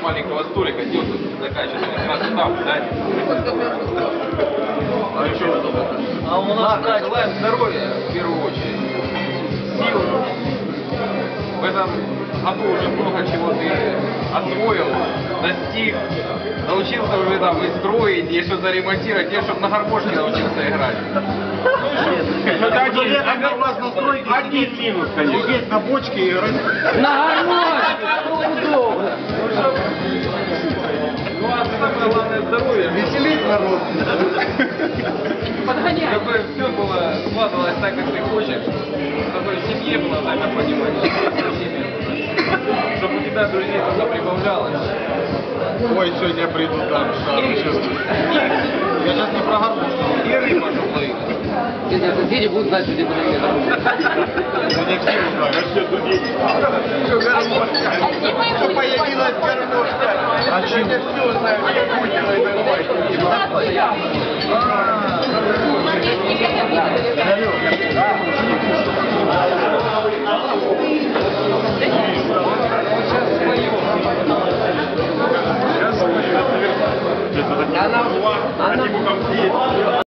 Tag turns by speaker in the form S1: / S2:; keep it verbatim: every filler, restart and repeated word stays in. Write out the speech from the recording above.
S1: маленького столика делать такая сейчас как раз там, да? А еще а у нас ладно, желаем здоровья в первую очередь, сил. В этом году уже много чего ты освоил, достиг, научился уже там и строить, и что-то ремонтировать, и чтобы на гармошке научился играть.
S2: Это один, у вас настройки один минус, конечно. Сидеть на бочке и играть.
S3: На гармошке! Удобно!
S1: Ну а самое главное здоровье.
S2: Веселить народ.
S3: Подгоняй!
S1: Чтобы все было, складывалось так, как ты хочешь, чтобы в семье было взаимопонимание, чтобы у тебя друзей только прибавлялось.
S2: Ой, сегодня я приду там, шару чувствую. Я сейчас не про гармошку.
S1: И рыба, чтобы ловить.
S3: Если соседи будут знать, что здесь подойдет.
S2: Ну не все узнают. А что тут есть? Что появилась гармошка? А чем? Все знают, как Путина и Алло.